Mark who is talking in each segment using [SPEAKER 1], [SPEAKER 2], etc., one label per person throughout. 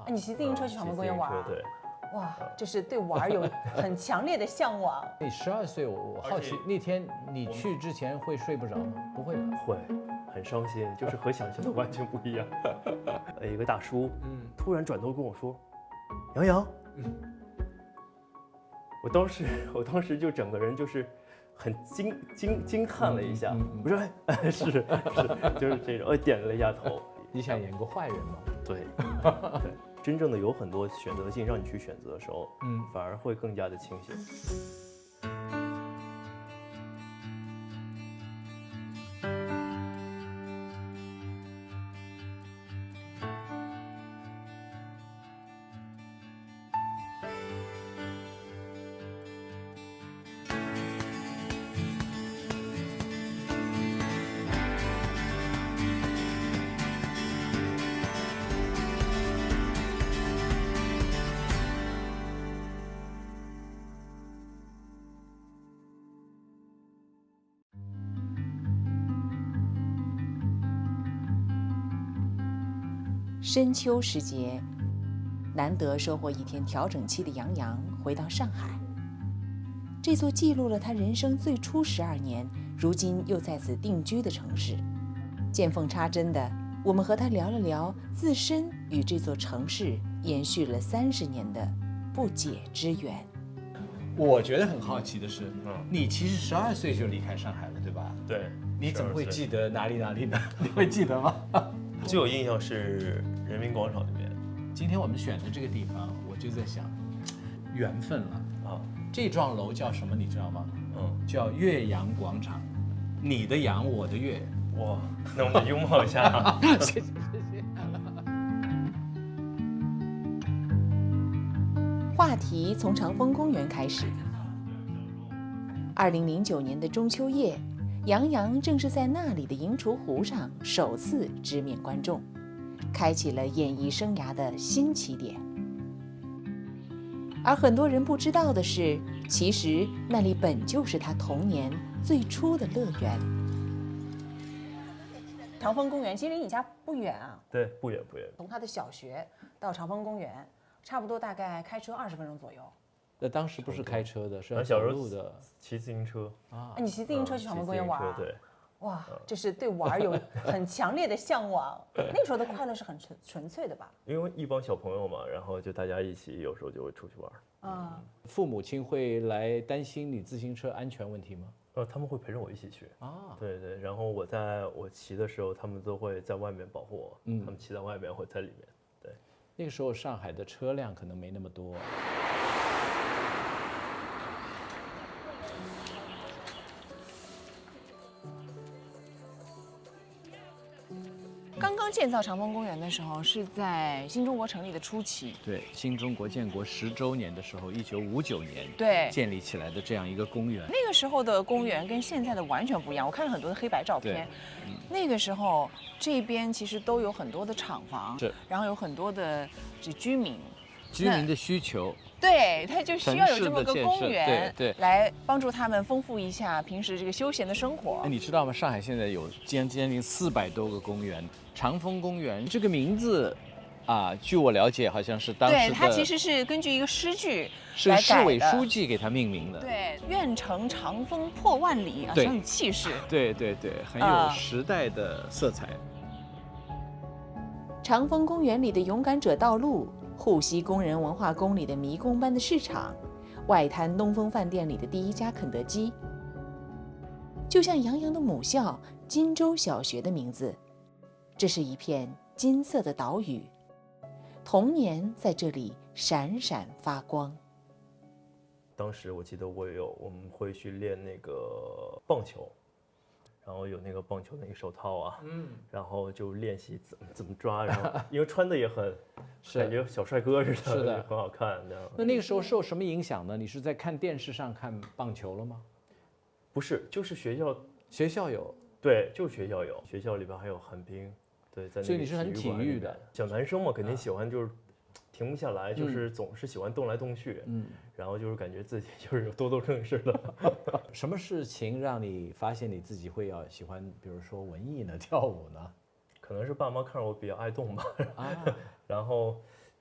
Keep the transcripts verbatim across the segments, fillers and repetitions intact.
[SPEAKER 1] 啊，你骑自行车去长风公园玩？
[SPEAKER 2] 对。
[SPEAKER 1] 哇，这是对玩有很强烈的向往。
[SPEAKER 3] 你十二岁，我我好奇那天你去之前会睡不着吗？不会吧？
[SPEAKER 2] 会，很伤心，就是和想象的完全不一样。一个大叔，嗯，突然转头跟我说：“杨洋。”嗯，我当时，我当时就整个人就是很惊惊惊叹了一下。嗯嗯、我说：“哎，是是，就是这种。”我点了一下头。
[SPEAKER 3] 你想演个坏人吗？
[SPEAKER 2] 对。对。真正的有很多选择性让你去选择的时候，嗯，反而会更加的清醒。
[SPEAKER 4] 深秋时节，难得收获一天调整期的杨洋回到上海，这座记录了他人生最初十二年，如今又在此定居的城市。见缝插针的，我们和他聊了聊自身与这座城市延续了三十年的不解之缘。
[SPEAKER 3] 我觉得很好奇的是，嗯，你其实十二岁就离开上海了，对吧？
[SPEAKER 2] 对。
[SPEAKER 3] 你怎么会记得哪里哪里呢？你会记得吗？
[SPEAKER 2] 最有印象是人民广场那边。
[SPEAKER 3] 今天我们选的这个地方，我就在想，缘分了啊！这幢楼叫什么？你知道吗？嗯，叫岳阳广场。你的阳，我的岳。
[SPEAKER 2] 哇，那我们拥抱一下。
[SPEAKER 3] 谢谢谢谢。
[SPEAKER 4] 话题从长风公园开始。二零零九年的中秋夜，杨洋正是在那里的银雏湖上首次直面观众，开启了演艺生涯的新起点。而很多人不知道的是，其实那里本就是他童年最初的乐园。
[SPEAKER 1] 长风公园其实离你家不远啊。
[SPEAKER 2] 对，不远不远。
[SPEAKER 1] 从他的小学到长风公园，差不多大概开车二十分钟左右。
[SPEAKER 3] 那当时不是开车的，是要
[SPEAKER 2] 走
[SPEAKER 3] 路的，
[SPEAKER 2] 骑自行车
[SPEAKER 1] 啊。你骑自行车去长风公园玩？
[SPEAKER 2] 对。
[SPEAKER 1] 哇，这是对玩有很强烈的向往。那个时候的快乐是很纯纯粹的吧？
[SPEAKER 2] 因为一帮小朋友嘛，然后就大家一起，有时候就会出去玩。
[SPEAKER 1] 啊，
[SPEAKER 3] 父母亲会来担心你自行车安全问题吗？
[SPEAKER 2] 呃，他们会陪着我一起去啊。对对，然后我在我骑的时候，他们都会在外面保护我。嗯，他们骑在外面，或在里面。对，
[SPEAKER 3] 那个时候上海的车辆可能没那么多。
[SPEAKER 1] 刚刚建造长风公园的时候，是在新中国成立的初期。
[SPEAKER 3] 对，新中国建国十周年的时候，一九五九年
[SPEAKER 1] 对
[SPEAKER 3] 建立起来的这样一个公园。
[SPEAKER 1] 那个时候的公园跟现在的完全不一样。我看了很多的黑白照片，嗯、那个时候这边其实都有很多的厂房，
[SPEAKER 3] 是，
[SPEAKER 1] 然后有很多的这居民，
[SPEAKER 3] 居民的需求。
[SPEAKER 1] 对，他就需要有这么个公园，
[SPEAKER 3] 对对，
[SPEAKER 1] 来帮助他们丰富一下平时这个休闲的生活。
[SPEAKER 3] 你知道吗？上海现在有将将近四百多个公园。长风公园这个名字，啊，据我了解，好像是当时的，
[SPEAKER 1] 对，它其实是根据一个诗句
[SPEAKER 3] 是市委书记给它命名的。
[SPEAKER 1] 对，愿乘长风破万里啊，很有气势。
[SPEAKER 3] 对对对，很有时代的色彩。
[SPEAKER 4] 长风公园里的勇敢者道路，沪西工人文化宫里的迷宫般的市场，外滩东风饭店里的第一家肯德基，就像杨洋的母校金州小学的名字。这是一片金色的岛屿，童年在这里闪闪发光。
[SPEAKER 2] 当时我记得我有我们会去练那个棒球，然后有那个棒球那个手套啊，嗯，然后就练习怎么怎么抓，然后因为穿的也很感觉小帅哥似的，
[SPEAKER 3] 是的，
[SPEAKER 2] 很好看。
[SPEAKER 3] 那那个时候受什么影响呢？你是在看电视上看棒球了吗？
[SPEAKER 2] 不是，就是学校
[SPEAKER 3] 学校有，
[SPEAKER 2] 对，就是学校有，学校里边还有旱冰。对，在那个
[SPEAKER 3] 所以你是很体育的
[SPEAKER 2] 小男生嘛，肯定喜欢就是停不下来，嗯、就是总是喜欢动来动去，嗯，然后就是感觉自己就是有多动症似的。
[SPEAKER 3] 什么事情让你发现你自己会要喜欢，比如说文艺呢，跳舞呢？
[SPEAKER 2] 可能是爸妈看着我比较爱动吧，啊、然后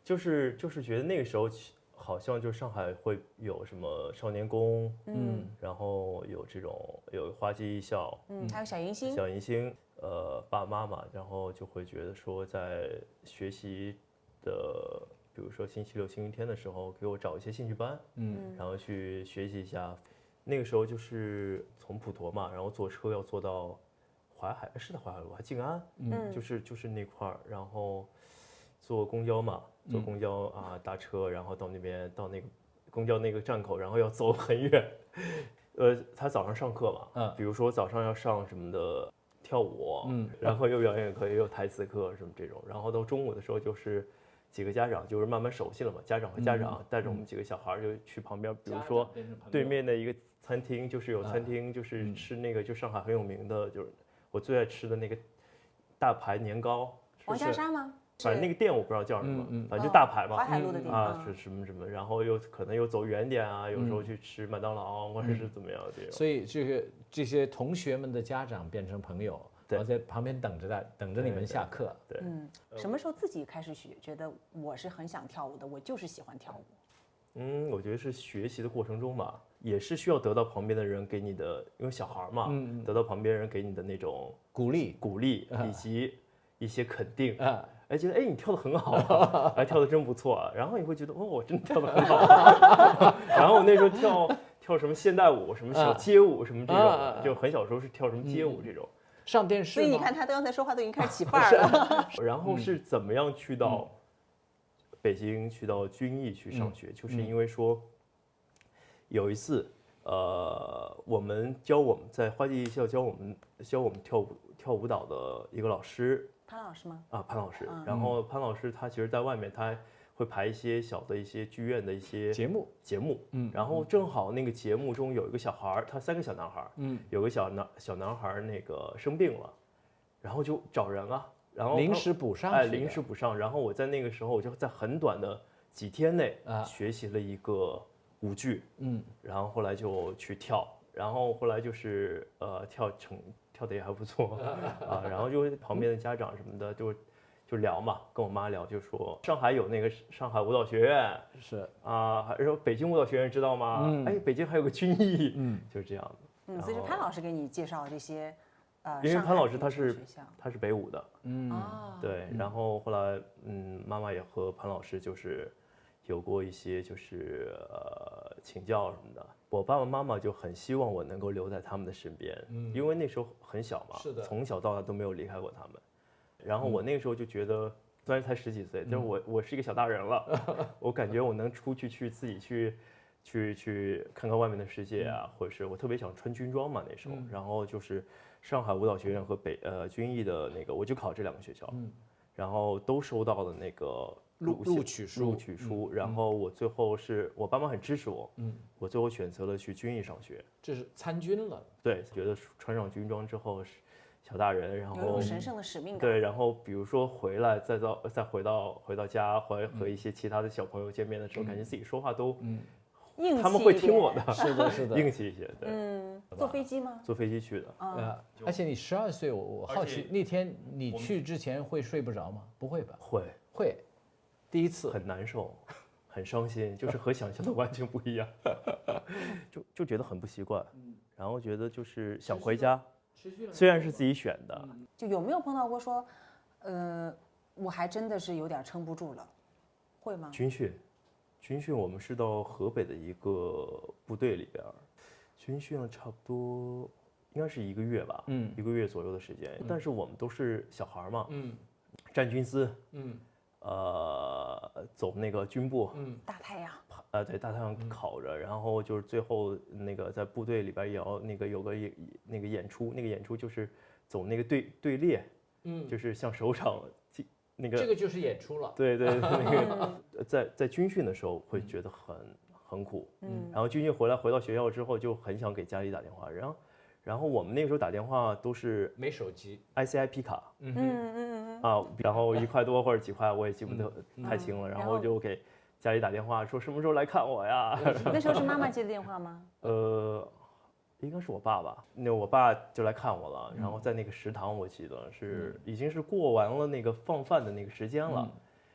[SPEAKER 2] 就是就是觉得那个时候好像就上海会有什么少年宫，嗯，然后有这种有花季艺校，
[SPEAKER 1] 嗯，还有小迎新，
[SPEAKER 2] 小迎新，呃，爸爸妈妈，然后就会觉得说在学习的，比如说星期六、星期天的时候，给我找一些兴趣班，嗯，然后去学习一下。那个时候就是从普陀嘛，然后坐车要坐到淮海，是在淮海路还静安，嗯，就是就是那块儿，然后坐公交嘛，坐公交啊，搭车，然后到那边到那个公交那个站口，然后要走很远。呃，他早上上课嘛，嗯，比如说早上要上什么的跳舞，嗯，然后又表演课，也有台词课什么这种，然后到中午的时候就是几个家长就是慢慢熟悉了嘛，家长和家长带着我们几个小孩就去旁边，比如说对面的一个餐厅，就是有餐厅，就是吃那个就上海很有名的，就是我最爱吃的那个大排年糕，
[SPEAKER 1] 王家沙吗？
[SPEAKER 2] 反正那个店我不知道叫什么，嗯嗯、反正就大排嘛，
[SPEAKER 1] 淮海路的地方
[SPEAKER 2] 啊，是什么什么，然后又可能又走远点啊，有时候去吃麦当劳、嗯、或者是怎么样这种。
[SPEAKER 3] 所以这个这些同学们的家长变成朋友，然后在旁边等着的，等着你们下课。
[SPEAKER 2] 对，对
[SPEAKER 1] 嗯，什么时候自己开始学，觉得我是很想跳舞的，我就是喜欢跳舞？
[SPEAKER 2] 嗯，我觉得是学习的过程中吧，也是需要得到旁边的人给你的，因为小孩嘛，嗯、得到旁边人给你的那种
[SPEAKER 3] 鼓励、
[SPEAKER 2] 鼓励以及一些肯定啊。哎，觉得哎，你跳得很好啊，哎，跳得真不错啊。然后你会觉得，哦，我真的跳得很好啊。然后我那时候跳跳什么现代舞，什么小街舞，什么这种，就很小时候是跳什么街舞这种。
[SPEAKER 3] 上电视。
[SPEAKER 1] 所以你看他刚才说话都已经开始起范儿了。
[SPEAKER 2] 然后是怎么样去到北京，去到军艺去上学，就是因为说有一次，呃，我们教我们在花季艺校教我们教我们跳舞跳舞蹈的一个老师。
[SPEAKER 1] 潘老师吗？
[SPEAKER 2] 啊，潘老师。嗯、然后潘老师他其实在外面他会排一些小的一些剧院的一些
[SPEAKER 3] 节目
[SPEAKER 2] 节目，嗯，然后正好那个节目中有一个小孩儿，他三个小男孩儿，嗯，有个小男小男孩儿那个生病了，然后就找人啊，然后
[SPEAKER 3] 临时补上，
[SPEAKER 2] 哎，临时补上。然后我在那个时候我就在很短的几天内啊学习了一个舞剧，嗯，然后后来就去跳，然后后来就是呃跳成。跳得也还不错啊，然后就旁边的家长什么的就就聊嘛，跟我妈聊，就说上海有那个上海舞蹈学院，
[SPEAKER 3] 是
[SPEAKER 2] 啊，还说北京舞蹈学院知道吗？嗯、哎，北京还有个军艺，嗯，就是这样的。
[SPEAKER 1] 嗯，所以是潘老师给你介绍这些，呃，
[SPEAKER 2] 因为潘老师他是他是北舞的，
[SPEAKER 3] 嗯，
[SPEAKER 2] 对，然后后来嗯，妈妈也和潘老师就是有过一些就是呃请教什么的。我爸爸妈妈就很希望我能够留在他们的身边，嗯，因为那时候很小嘛，
[SPEAKER 3] 是的，
[SPEAKER 2] 从小到大都没有离开过他们。然后我那个时候就觉得，虽然才十几岁，但是我我是一个小大人了，我感觉我能出去去自己去，去去看看外面的世界啊，或者是我特别想穿军装嘛那时候，然后就是上海舞蹈学院和北呃军艺的那个，我就考这两个学校，然后都收到了那个。
[SPEAKER 3] 录录取书，
[SPEAKER 2] 录取书，嗯、然后我最后是我爸妈很支持我，嗯，我最后选择了去军艺上学，
[SPEAKER 3] 这是参军了，
[SPEAKER 2] 对，觉得穿上军装之后是小大人，然后
[SPEAKER 1] 有一种神圣的使命感，
[SPEAKER 2] 对，然后比如说回来再到再回到回到家，和和一些其他的小朋友见面的时候，嗯、感觉自己说话都，嗯，他们会听我的，
[SPEAKER 3] 是的，是的，
[SPEAKER 2] 硬气一些，对，
[SPEAKER 1] 嗯，坐飞机吗？
[SPEAKER 2] 坐飞机去的，
[SPEAKER 3] 呃，而且你十二岁，我我好奇那天你去之前会睡不着吗？不会吧？
[SPEAKER 2] 会
[SPEAKER 3] 会。第一次
[SPEAKER 2] 很难受，很伤心，就是和想象的完全不一样，就就觉得很不习惯，然后觉得就是想回家，虽然是自己选的，
[SPEAKER 1] 就有没有碰到过说，呃，我还真的是有点撑不住了，会吗？
[SPEAKER 2] 军训，军训我们是到河北的一个部队里边，军训了差不多应该是一个月吧，嗯，一个月左右的时间，但是我们都是小孩嘛，嗯，站军姿，嗯。呃，走那个军步，
[SPEAKER 1] 嗯，大太阳，
[SPEAKER 2] 呃，对，大太阳烤着，嗯、然后就是最后那个在部队里边也要那个有个演那个演出，那个演出就是走那个队队列，嗯，就是像首长那个，
[SPEAKER 3] 这个就是演出了，
[SPEAKER 2] 对对，那个在在军训的时候会觉得很很苦，嗯，然后军训回来回到学校之后就很想给家里打电话，然后。然后我们那个时候打电话都是
[SPEAKER 3] 没手机
[SPEAKER 2] ，I C I P 卡，
[SPEAKER 1] 嗯嗯嗯
[SPEAKER 2] 啊，然后一块多或者几块我也记不得太清了，然后就给家里打电话说什么时候来看我呀？
[SPEAKER 1] 那时候是妈妈接的电话吗？
[SPEAKER 2] 呃，应该是我爸爸，那我爸就来看我了，然后在那个食堂我记得是已经是过完了那个放饭的那个时间了，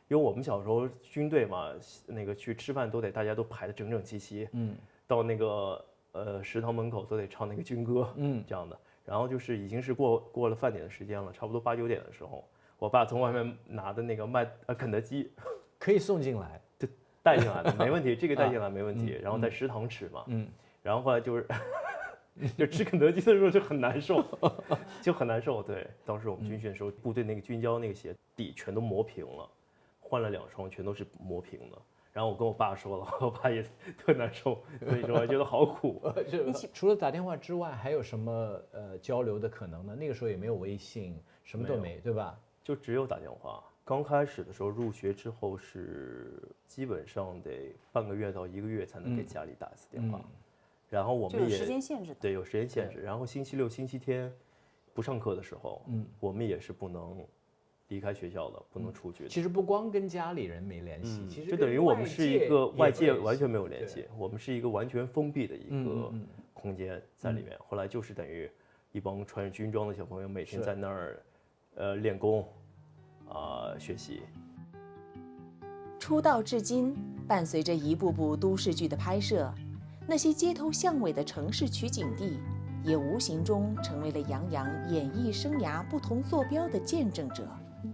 [SPEAKER 2] 因为我们小时候军队嘛，那个去吃饭都得大家都排得整整齐齐，嗯，到那个呃食堂门口都得唱那个军歌，嗯，这样的。然后就是已经是过过了饭点的时间了，差不多八九点的时候，我爸从外面拿的那个麦呃肯德基，
[SPEAKER 3] 可以送进来，
[SPEAKER 2] 就带进来的，没问题，这个带进来没问题。然后在食堂吃嘛，嗯，然后后来就是。就吃肯德基的时候就很难受，就很难受。对，当时我们军训的时候，部队那个军胶那个鞋底全都磨平了，换了两双，全都是磨平的。然后我跟我爸说了，我爸也特难受，所以说我觉得好苦。
[SPEAKER 3] 除了打电话之外，还有什么呃交流的可能呢？那个时候也没有微信，什么都没，对吧？
[SPEAKER 2] 就只有打电话。刚开始的时候入学之后是基本上得半个月到一个月才能给家里打一次电话。嗯然后我们也
[SPEAKER 1] 有时间限制的，
[SPEAKER 2] 对，有时间限制。然后星期六、星期天不上课的时候，嗯，我们也是不能离开学校的，不能出去的。
[SPEAKER 3] 其实不光跟家里人没联系，
[SPEAKER 2] 嗯、
[SPEAKER 3] 其实
[SPEAKER 2] 就等于我们是一个外界完全没有联系，我们是一个完全封闭的一个空间在里面。嗯、后来就是等于一帮穿着军装的小朋友每天在那儿，呃，练功，啊、呃，学习。
[SPEAKER 4] 出道至今，伴随着一部部都市剧的拍摄。那些街头巷尾的城市取景地，也无形中成为了杨洋演艺生涯不同坐标的见证者。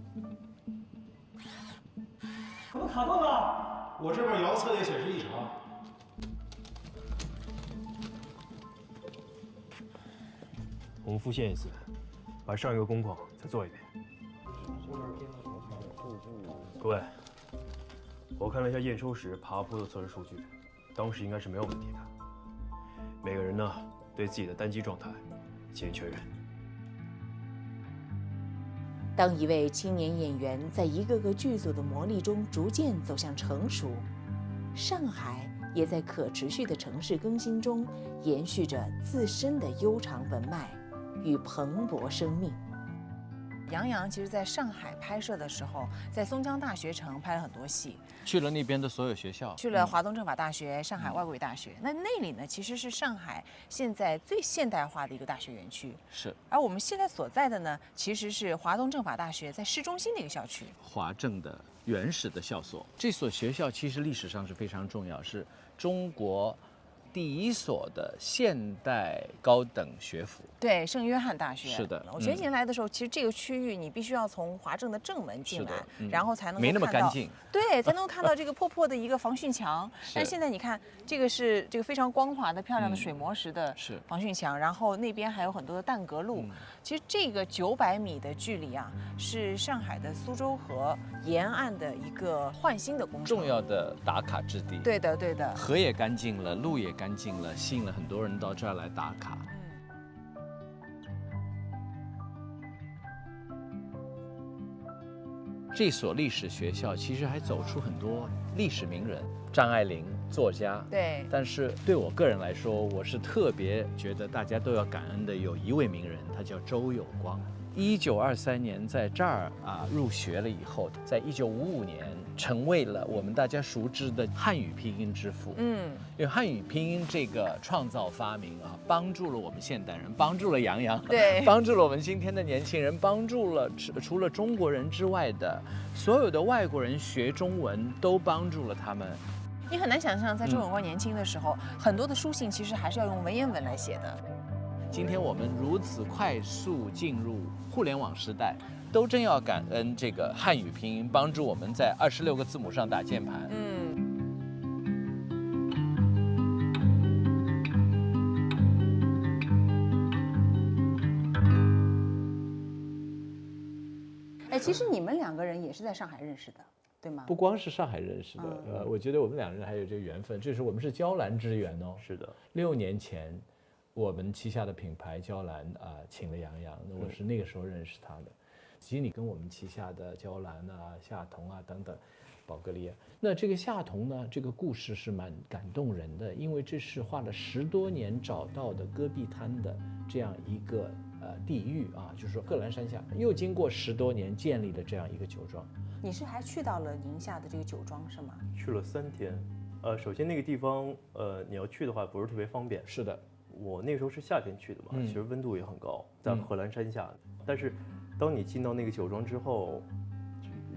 [SPEAKER 5] 怎么卡顿了？我这边遥测也显示异常。
[SPEAKER 2] 我们复现一次，把上一个工况再做一遍。各位，我看了一下验收时爬坡的测试数据。当时应该是没有问题的。每个人呢，对自己的单机状态进行确认。
[SPEAKER 4] 当一位青年演员在一个个剧组的磨砺中逐渐走向成熟，上海也在可持续的城市更新中延续着自身的悠长文脉与蓬勃生命。
[SPEAKER 1] 杨洋其实在上海拍摄的时候，在松江大学城拍了很多戏，
[SPEAKER 3] 去了那边的所有学校，
[SPEAKER 1] 去了华东政法大学、上海外国语大学。那那里呢，其实是上海现在最现代化的一个大学园区。
[SPEAKER 3] 是。
[SPEAKER 1] 而我们现在所在的呢，其实是华东政法大学在市中心的一个校区。
[SPEAKER 3] 华政的原始的校所，这所学校其实历史上是非常重要，是中国第一所的现代高等学府。
[SPEAKER 1] 对，圣约翰大学。
[SPEAKER 3] 是的，
[SPEAKER 1] 我前几年来的时候，其实这个区域你必须要从华政的正门进来，
[SPEAKER 3] 嗯、
[SPEAKER 1] 然后才能够
[SPEAKER 3] 没那么干净。
[SPEAKER 1] 对，才能够看到这个破破的一个防汛墙。但现在你看，这个是这个非常光滑的、漂亮的水磨石的防汛墙，嗯、然后那边还有很多的弹格路。嗯、其实这个九百米的距离啊，是上海的苏州河沿岸的一个焕新的工程，
[SPEAKER 3] 重要的打卡之地。
[SPEAKER 1] 对的，对的。
[SPEAKER 3] 河也干净了，路也干净了，吸引了很多人到这儿来打卡。这所历史学校其实还走出很多历史名人，张爱玲作家，
[SPEAKER 1] 对。
[SPEAKER 3] 但是对我个人来说，我是特别觉得大家都要感恩的，有一位名人，他叫周有光。一九二三年在这儿啊入学了以后，在一九五五年成为了我们大家熟知的汉语拼音之父。嗯，因为汉语拼音这个创造发明啊，帮助了我们现代人，帮助了杨洋，
[SPEAKER 1] 对，
[SPEAKER 3] 帮助了我们今天的年轻人，帮助了除了中国人之外的所有的外国人学中文，都帮助了他们。
[SPEAKER 1] 你很难想象，在周有光年轻的时候，嗯、很多的书信其实还是要用文言文来写的。
[SPEAKER 3] 今天我们如此快速进入互联网时代，都真要感恩这个汉语拼音帮助我们在二十六个字母上打键盘。嗯。
[SPEAKER 1] 哎，其实你们两个人也是在上海认识的，对吗？
[SPEAKER 3] 不光是上海认识的，嗯、呃，我觉得我们两个人还有这个缘分，这是我们是娇兰之缘哦。
[SPEAKER 2] 是的，
[SPEAKER 3] 六年前。我们旗下的品牌娇兰啊、呃，请了杨洋，那我是那个时候认识他的。其实你跟我们旗下的娇兰啊、夏彤啊等等，宝格丽啊，那这个夏彤呢，这个故事是蛮感动人的，因为这是花了十多年找到的戈壁滩的这样一个呃地域啊，就是说贺兰山下又经过十多年建立的这样一个酒庄。
[SPEAKER 1] 你是还去到了宁夏的这个酒庄是吗？
[SPEAKER 2] 去了三天，呃，首先那个地方，呃，你要去的话不是特别方便。
[SPEAKER 3] 是的。
[SPEAKER 2] 我那时候是夏天去的嘛，嗯、其实温度也很高，在贺兰山下。嗯、但是，当你进到那个酒庄之后，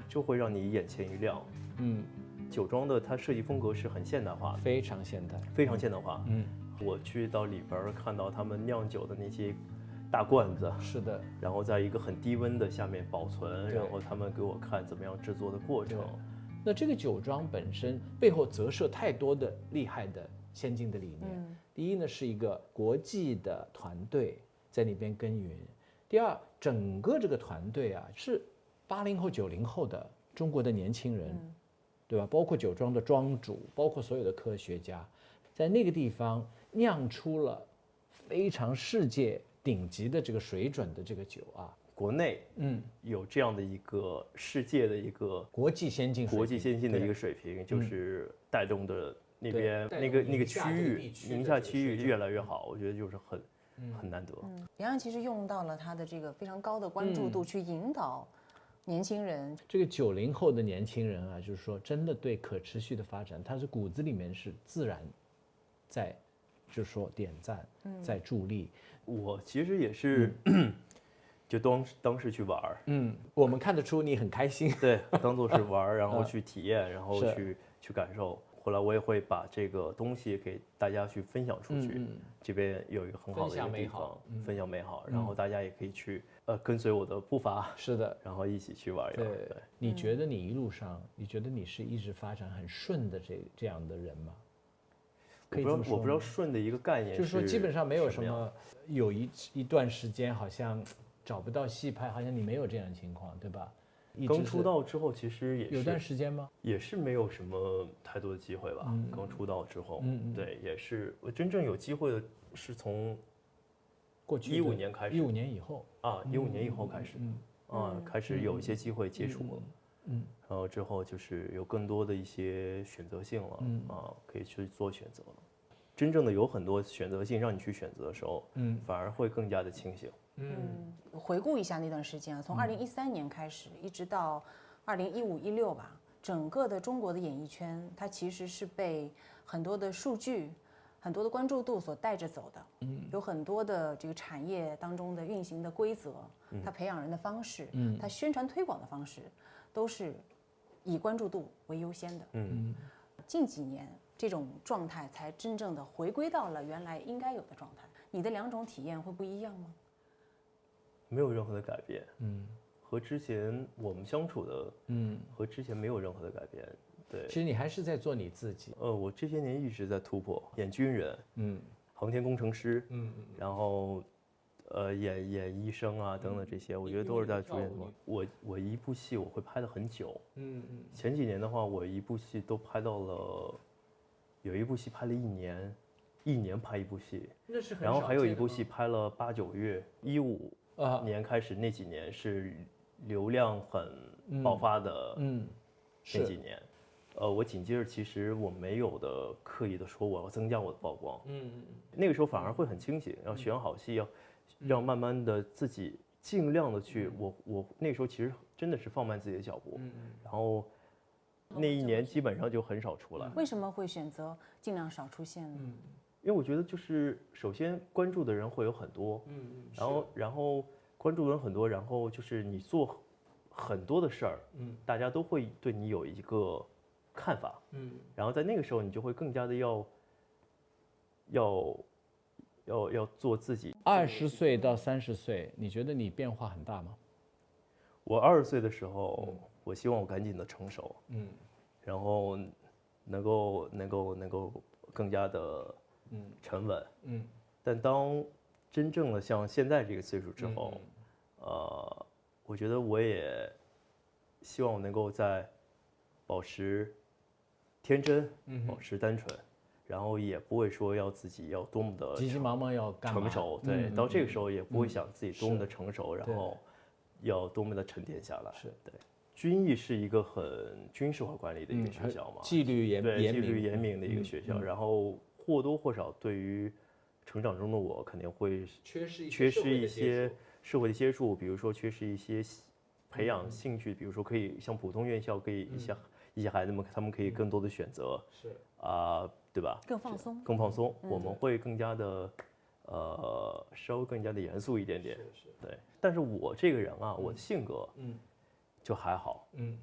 [SPEAKER 2] 就会让你眼前一亮。嗯，酒庄的它设计风格是很现代化的，
[SPEAKER 3] 非常现代，
[SPEAKER 2] 非常现代化。嗯，我去到里边看到他们酿酒的那些大罐子，
[SPEAKER 3] 是的，
[SPEAKER 2] 然后在一个很低温的下面保存，然后他们给我看怎么样制作的过程。
[SPEAKER 3] 那这个酒庄本身背后折射太多的厉害的先进的理念。嗯、第一呢，是一个国际的团队在那边耕耘；第二，整个这个团队啊是八零后、九零后的中国的年轻人，嗯、对吧？包括酒庄的庄主，包括所有的科学家，在那个地方酿出了非常世界顶级的这个水准的这个酒啊。
[SPEAKER 2] 国内嗯有这样的一个世界的一个
[SPEAKER 3] 国际先进
[SPEAKER 2] 国际先进的一个水平，就是带动的那边那个那个区域宁夏区域越来越好，我觉得就是很很难得。
[SPEAKER 1] 杨洋其实用到了他的这个非常高的关注度去引导年轻人。
[SPEAKER 3] 这个九零后的年轻人啊，就是说真的对可持续的发展，他是骨子里面是自然在，就是说点赞，在助力。
[SPEAKER 2] 我其实也是。就当当时去玩儿，
[SPEAKER 3] 嗯，我们看得出你很开心，
[SPEAKER 2] 对，当做是玩儿，然后去体验，然后去去感受。后来我也会把这个东西给大家去分享出去。嗯嗯、这边有一个很好的一个地方，分享美好，嗯、分享美好然后大家也可以去呃跟随我的步伐，
[SPEAKER 3] 是的，
[SPEAKER 2] 然后一起去玩一玩。
[SPEAKER 3] 对，对你觉得你一路上，你觉得你是一直发展很顺的这这样的人吗？
[SPEAKER 2] 我不知道，我不知道顺的一个概念是，
[SPEAKER 3] 就是说基本上没有什么，有一一段时间好像。找不到戏拍，好像你没有这样的情况，对吧？
[SPEAKER 2] 刚出道之后，其实也是
[SPEAKER 3] 有段时间吗？
[SPEAKER 2] 也是没有什么太多的机会吧。嗯、刚出道之后，嗯、对，也是我真正有机会的是从
[SPEAKER 3] 过去
[SPEAKER 2] 一五年开始，
[SPEAKER 3] 一五年以后
[SPEAKER 2] 啊，一五年以后开始，嗯、啊，开始有一些机会接触了，嗯，然后之后就是有更多的一些选择性了，嗯、啊，可以去做选择了。真正的有很多选择性让你去选择的时候，嗯，反而会更加的清醒。
[SPEAKER 1] 嗯，回顾一下那段时间啊，从二零一三年开始，嗯、一直到二零一五一六吧，整个的中国的演艺圈，它其实是被很多的数据、很多的关注度所带着走的。嗯，有很多的这个产业当中的运行的规则，嗯、它培养人的方式，嗯，它宣传推广的方式，都是以关注度为优先的。嗯，近几年这种状态才真正的回归到了原来应该有的状态。你的两种体验会不一样吗？
[SPEAKER 2] 没有任何的改变，嗯，和之前我们相处的，嗯，和之前没有任何的改变，对。
[SPEAKER 3] 其实你还是在做你自己。
[SPEAKER 2] 呃，我这些年一直在突破，演军人，嗯，航天工程师，嗯嗯，然后，呃，演演医生啊等等这些，我觉得都是在逐渐做。我我一部戏我会拍的很久，嗯嗯。前几年的话，我一部戏都拍到了，有一部戏拍了一年，一年拍一部戏，
[SPEAKER 3] 那是很少见的吗？
[SPEAKER 2] 然后还有一部戏拍了八九月，一五。年开始那几年是流量很爆发的，嗯，那几年，呃，我紧接着其实我没有的刻意的说我要增加我的曝光，嗯，那个时候反而会很清醒，要选好戏，要要慢慢的自己尽量的去，我我那时候其实真的是放慢自己的脚步，然后那一年基本上就很少出来。
[SPEAKER 1] 为什么会选择尽量少出现呢？
[SPEAKER 2] 因为我觉得就是首先关注的人会有很多，嗯嗯，然后然后关注的人很多，然后就是你做很多的事儿，嗯，大家都会对你有一个看法，嗯，然后在那个时候你就会更加的要要要要做自己。
[SPEAKER 3] 二十岁到三十岁，你觉得你变化很大吗？
[SPEAKER 2] 我二十岁的时候，嗯、我希望我赶紧的成熟，嗯，然后能够能够能够更加的。嗯，沉稳，嗯，但当真正的像现在这个岁数之后，嗯、呃，我觉得我也希望我能够在保持天真，嗯、保持单纯，然后也不会说要自己要多么的
[SPEAKER 3] 急急忙忙要干嘛
[SPEAKER 2] 成熟，对，嗯、到这个时候也不会想自己多么的成熟，嗯、然后要多么的沉淀下来，
[SPEAKER 3] 是
[SPEAKER 2] 对。军艺是一个很军事化管理的一个学校嘛，
[SPEAKER 3] 嗯、纪律严
[SPEAKER 2] 对纪律严明的一个学校，嗯、然后。或多或少对于成长中的我肯定会
[SPEAKER 3] 缺失
[SPEAKER 2] 缺失一些社会的接触，比如说缺失一些培养兴趣，比如说可以像普通院校可以一些一些孩子们他们可以更多的选择，是啊，对吧？
[SPEAKER 1] 更放松，
[SPEAKER 2] 更放松，我们会更加的呃稍微更加的严肃一点点，对。但是我这个人啊，我的性格嗯就还好，嗯，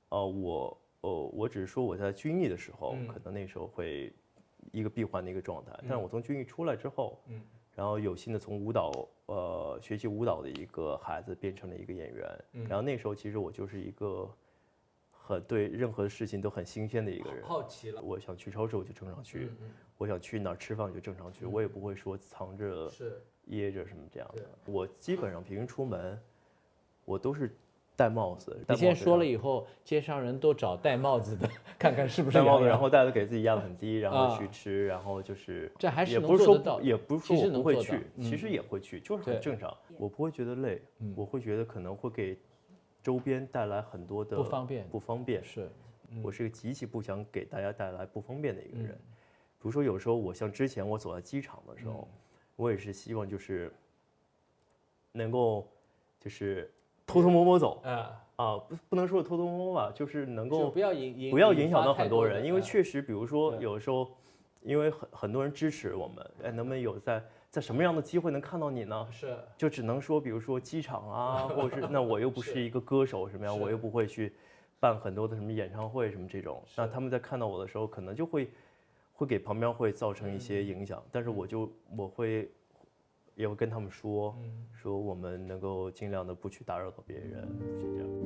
[SPEAKER 2] 呃，我呃，我只是说我在军艺的时候，
[SPEAKER 3] 嗯
[SPEAKER 2] 可能那时候会一个闭环的一个状态，
[SPEAKER 3] 嗯
[SPEAKER 2] 但是我从军艺出来之后，
[SPEAKER 3] 嗯
[SPEAKER 2] 然后有幸的从舞蹈呃学习舞蹈的一个孩子变成了一个演员，
[SPEAKER 3] 嗯
[SPEAKER 2] 然后那时候其实我就是一个很对任何事情都很新鲜的一个人，
[SPEAKER 3] 好奇了。
[SPEAKER 2] 我想去超市我就正常去，
[SPEAKER 3] 嗯
[SPEAKER 2] 我想去哪儿吃饭我就正常去，我也不会说藏着
[SPEAKER 3] 是
[SPEAKER 2] 掖着什么这样的
[SPEAKER 3] 对。
[SPEAKER 2] 我基本上平时出门，我都是戴帽子。
[SPEAKER 3] 你
[SPEAKER 2] 戴帽子
[SPEAKER 3] 先说了
[SPEAKER 2] 然后
[SPEAKER 3] 以后，街上人都找戴帽子的，看看是不是
[SPEAKER 2] 戴帽子，
[SPEAKER 3] 杨洋
[SPEAKER 2] 然后戴子给自己压得很低，然后
[SPEAKER 3] 啊
[SPEAKER 2] 去吃，然后就是
[SPEAKER 3] 这还是能
[SPEAKER 2] 也不是说
[SPEAKER 3] 做得到的
[SPEAKER 2] 也不是说
[SPEAKER 3] 其实
[SPEAKER 2] 我不会
[SPEAKER 3] 能做到
[SPEAKER 2] 去，其
[SPEAKER 3] 嗯
[SPEAKER 2] 实也会去，就是很
[SPEAKER 3] 对
[SPEAKER 2] 正常。我不会觉得累
[SPEAKER 3] 嗯，
[SPEAKER 2] 我会觉得可能会给周边带来很多的
[SPEAKER 3] 不方便
[SPEAKER 2] 不方便。
[SPEAKER 3] 是，
[SPEAKER 2] 我是个极其不想给大家带来不方便的一个人。
[SPEAKER 3] 嗯
[SPEAKER 2] 比如说，有时候我像之前我走在机场的时候，我也是希望就是能够就是偷偷摸摸走
[SPEAKER 3] 啊，
[SPEAKER 2] 啊，不不能说偷偷摸摸吧，就是能够
[SPEAKER 3] 就不要影影
[SPEAKER 2] 不要影
[SPEAKER 3] 引
[SPEAKER 2] 响到
[SPEAKER 3] 发太多的
[SPEAKER 2] 很多人，因为
[SPEAKER 3] 啊
[SPEAKER 2] 确实，比如说
[SPEAKER 3] 对
[SPEAKER 2] 有时候，因为很很多人支持我们，哎，能不能有在在什么样的机会能看到你呢？
[SPEAKER 3] 是
[SPEAKER 2] 就只能说，比如说机场啊，或者是那我又不是一个歌手什么样，
[SPEAKER 3] 是
[SPEAKER 2] 我又不会去办很多的什么演唱会什么这种，那他们在看到我的时候，可能就会会给旁边会造成一些影响，但是我就我会也会跟他们说，说我们能够尽量的不去打扰到别人，不去这样。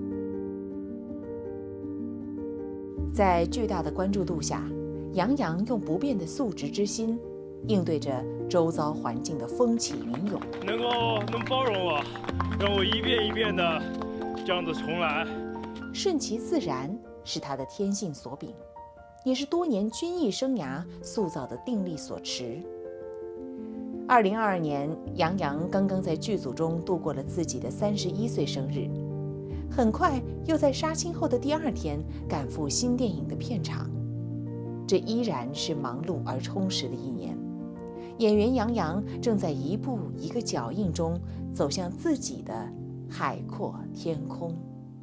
[SPEAKER 4] 在巨大的关注度下，杨洋用不变的素质之心，应对着周遭环境的风起云涌。
[SPEAKER 5] 能够能包容我，让我一遍一遍的这样子重来。
[SPEAKER 4] 顺其自然是他的天性所秉，也是多年军艺生涯塑造的定力所持。二零二二年，杨洋刚刚在剧组中度过了自己的三十一岁生日，很快又在杀青后的第二天赶赴新电影的片场。这依然是忙碌而充实的一年。演员杨洋正在一步一个脚印中走向自己的海阔天空。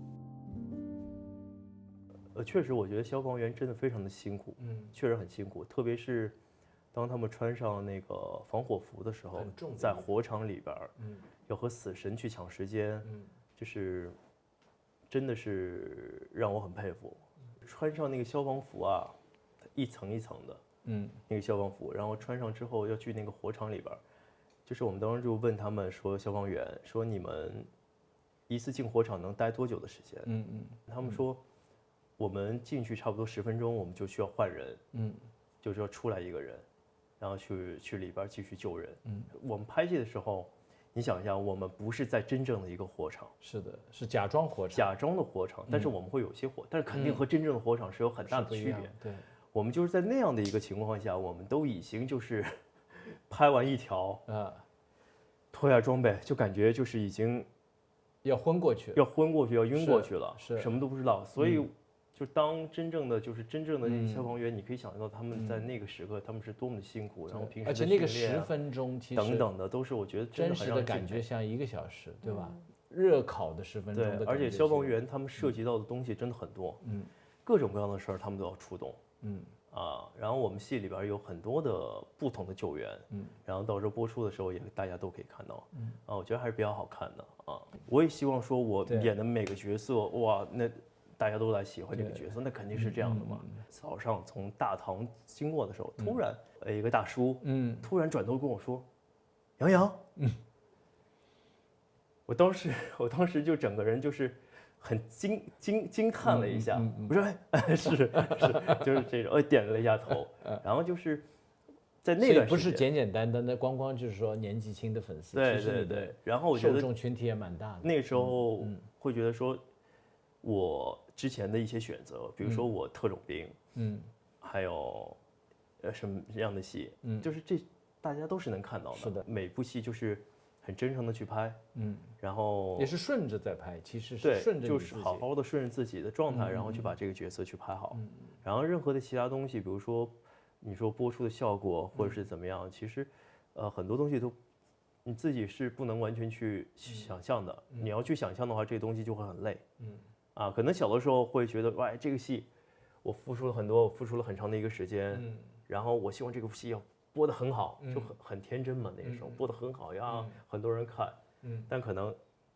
[SPEAKER 2] 呃，确实，我觉得消防员真的非常的辛苦，
[SPEAKER 3] 嗯，
[SPEAKER 2] 确实很辛苦，特别是当他们穿上那个防火服的时候
[SPEAKER 3] 很重的，
[SPEAKER 2] 在火场里边儿，
[SPEAKER 3] 嗯
[SPEAKER 2] 要和死神去抢时间，
[SPEAKER 3] 嗯
[SPEAKER 2] 就是真的是让我很佩服。穿上那个消防服啊，一层一层的
[SPEAKER 3] 嗯
[SPEAKER 2] 那个消防服，然后穿上之后要去那个火场里边儿，就是我们当时就问他们说，消防员说你们一次进火场能待多久的时间？
[SPEAKER 3] 嗯嗯
[SPEAKER 2] 他们说，我们进去差不多十分钟，我们就需要换人，
[SPEAKER 3] 嗯
[SPEAKER 2] 就是要出来一个人，然后去去里边继续救人。
[SPEAKER 3] 嗯，
[SPEAKER 2] 我们拍戏的时候，你想一下，我们不是在真正的一个火场，
[SPEAKER 3] 是的，是假装火场，
[SPEAKER 2] 假装的火场，但是我们会有些火，但是肯定和真正的火场是有很大
[SPEAKER 3] 是不一样
[SPEAKER 2] 的区别。
[SPEAKER 3] 对，
[SPEAKER 2] 我们就是在那样的一个情况下，我们都已经就是拍完一条，
[SPEAKER 3] 啊，
[SPEAKER 2] 脱下装备，就感觉就是已经
[SPEAKER 3] 要昏过去，
[SPEAKER 2] 要昏过去，要晕过
[SPEAKER 3] 是
[SPEAKER 2] 去了，
[SPEAKER 3] 是
[SPEAKER 2] 什么都不知道。所以
[SPEAKER 3] 嗯，
[SPEAKER 2] 就当真正的就是真正的那些
[SPEAKER 3] 嗯
[SPEAKER 2] 消防员，你可以想象到他们在那个时刻他们是多么的辛苦，然后平时
[SPEAKER 3] 而
[SPEAKER 2] 的
[SPEAKER 3] 且那个十
[SPEAKER 2] 训练啊
[SPEAKER 3] 分钟其实
[SPEAKER 2] 等等的都是我觉得真
[SPEAKER 3] 真
[SPEAKER 2] 的很让
[SPEAKER 3] 实的感
[SPEAKER 2] 人敬佩。
[SPEAKER 3] 觉像一个小时，对吧？热烤的十分钟
[SPEAKER 2] 对
[SPEAKER 3] 的，感觉
[SPEAKER 2] 而且消防
[SPEAKER 3] 是
[SPEAKER 2] 员他们涉及到的东西真的很多，
[SPEAKER 3] 嗯
[SPEAKER 2] 各种各样的事儿他们都要出动。
[SPEAKER 3] 嗯
[SPEAKER 2] 啊，然后我们戏里边有很多的不同的救援，
[SPEAKER 3] 嗯，
[SPEAKER 2] 然后到时候播出的时候也大家都可以看到，嗯，啊，我觉得还是比较好看的啊。我也希望说我
[SPEAKER 3] 对
[SPEAKER 2] 演的每个角色，哇，那大家都来喜欢这个角色，那肯定是这样的
[SPEAKER 3] 嗯
[SPEAKER 2] 嘛。早上从大堂经过的时候，突然呃一个大叔，
[SPEAKER 3] 嗯
[SPEAKER 2] 突然转头跟我说：“杨洋。”嗯，我当时我当时就整个人就是很惊惊惊叹了一下，
[SPEAKER 3] 嗯嗯嗯
[SPEAKER 2] 我说哎是是就是这种，我点了一下头，然后就是在那
[SPEAKER 3] 所以
[SPEAKER 2] 段时间，
[SPEAKER 3] 不是简简单单的光光就是说年纪轻的粉丝，
[SPEAKER 2] 对
[SPEAKER 3] 其实你的
[SPEAKER 2] 对对，然后我觉
[SPEAKER 3] 受
[SPEAKER 2] 得
[SPEAKER 3] 众群体也蛮大的。
[SPEAKER 2] 那时候
[SPEAKER 3] 嗯
[SPEAKER 2] 会觉得说，我之前的一些选择，比如说我特种兵，
[SPEAKER 3] 嗯
[SPEAKER 2] 还有呃什么样的戏，
[SPEAKER 3] 嗯
[SPEAKER 2] 就是这大家都是能看到的，
[SPEAKER 3] 是的
[SPEAKER 2] 每部戏就是很真诚的去拍，
[SPEAKER 3] 嗯，
[SPEAKER 2] 然后
[SPEAKER 3] 也是顺着在拍，其实是
[SPEAKER 2] 对，
[SPEAKER 3] 顺着你
[SPEAKER 2] 就是
[SPEAKER 3] 自己
[SPEAKER 2] 好好的顺着自己的状态，
[SPEAKER 3] 嗯
[SPEAKER 2] 然后去把这个角色去拍好。然后任何的其他东西，比如说你说播出的效果或者是怎么样，其实呃很多东西都你自己是不能完全去想象的。你要去想象的话，这个东西就会很累。
[SPEAKER 3] 嗯
[SPEAKER 2] 啊，可能小的时候会觉得，哇，这个戏我付出了很多，我付出了很长的一个时间，
[SPEAKER 3] 嗯
[SPEAKER 2] 然后我希望这个戏要播得很好，
[SPEAKER 3] 嗯
[SPEAKER 2] 就很很天真嘛，那个时候
[SPEAKER 3] 嗯
[SPEAKER 2] 播得很好呀，
[SPEAKER 3] 嗯
[SPEAKER 2] 很多人看。
[SPEAKER 3] 嗯
[SPEAKER 2] 但可能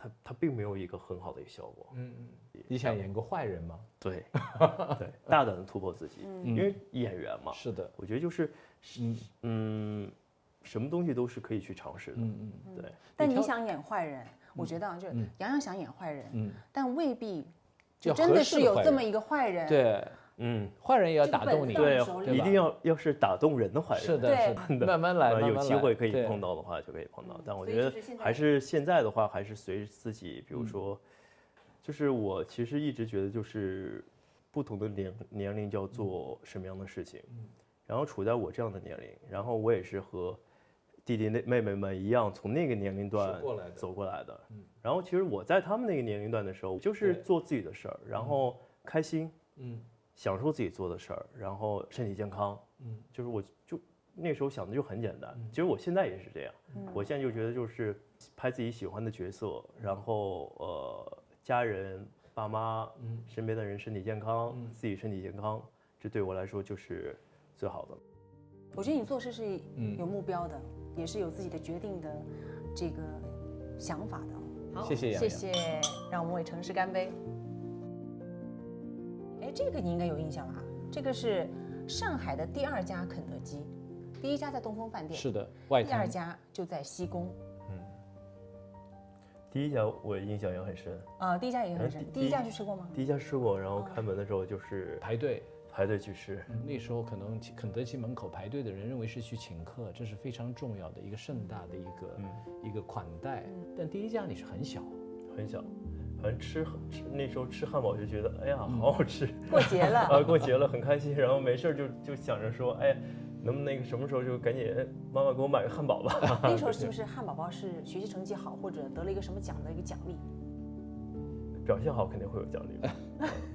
[SPEAKER 2] 它它并没有一个很好的一个效果。
[SPEAKER 3] 嗯嗯，你想演个坏人吗？
[SPEAKER 2] 对，对，大胆的突破自己，因为演员嘛。
[SPEAKER 3] 是的，
[SPEAKER 2] 我觉得就是，嗯嗯，什么东西都是可以去尝试的。嗯嗯，对。
[SPEAKER 1] 但你想演坏人，我觉得啊，就是杨洋想演坏人，嗯，但未必就真的是有这么一个坏人。
[SPEAKER 3] 对。嗯，坏人也要打动你，
[SPEAKER 2] 对，一定要要是打动人的坏人，
[SPEAKER 3] 是的，是的，慢慢来，
[SPEAKER 2] 有机会可以碰到的话就可以碰到。但我觉得还是现在的话，还是随自己，比如说，就是我其实一直觉得，就是不同的年年龄就要做什么样的事情，然后处在我这样的年龄，然后我也是和弟弟妹妹们一样，从那个年龄段走过来的。然后其实我在他们那个年龄段的时候，就是做自己的事儿，然后开心，嗯。享受自己做的事儿，然后身体健康，嗯，就是我就那时候想的就很简单。其实我现在也是这样，我现在就觉得就是拍自己喜欢的角色，然后呃家人、爸妈、身边的人身体健康，自己身体健康，这对我来说就是最好的。
[SPEAKER 1] 我觉得你做事是有目标的，也是有自己的决定的这个想法的。
[SPEAKER 3] 好，谢谢杨
[SPEAKER 1] 洋，谢谢，让我们为城市干杯。哎，这个你应该有印象了啊！这个是上海的第二家肯德基，第一家在东风饭店，
[SPEAKER 3] 是的，外滩，
[SPEAKER 1] 第二家就在西宫。嗯，
[SPEAKER 2] 第一家我印象也很深
[SPEAKER 1] 啊，第一家也很深。第一家去吃过吗？
[SPEAKER 2] 第一家吃过，然后开门的时候就是
[SPEAKER 3] 排队
[SPEAKER 2] 排队去吃。
[SPEAKER 3] 那时候可能肯德基门口排队的人认为是去请客，这是非常重要的一个盛大的一个一个款待。但第一家你是很小，
[SPEAKER 2] 很小。反正吃吃那时候吃汉堡就觉得哎呀好好吃，
[SPEAKER 1] 过节了
[SPEAKER 2] 啊过节了很开心，然后没事就就想着说哎，能不能那个什么时候就赶紧妈妈给我买个汉堡吧。
[SPEAKER 1] 那时候是不是汉堡包是学习成绩好或者得了一个什么奖的一个奖励？
[SPEAKER 2] 表现好肯定会有奖励。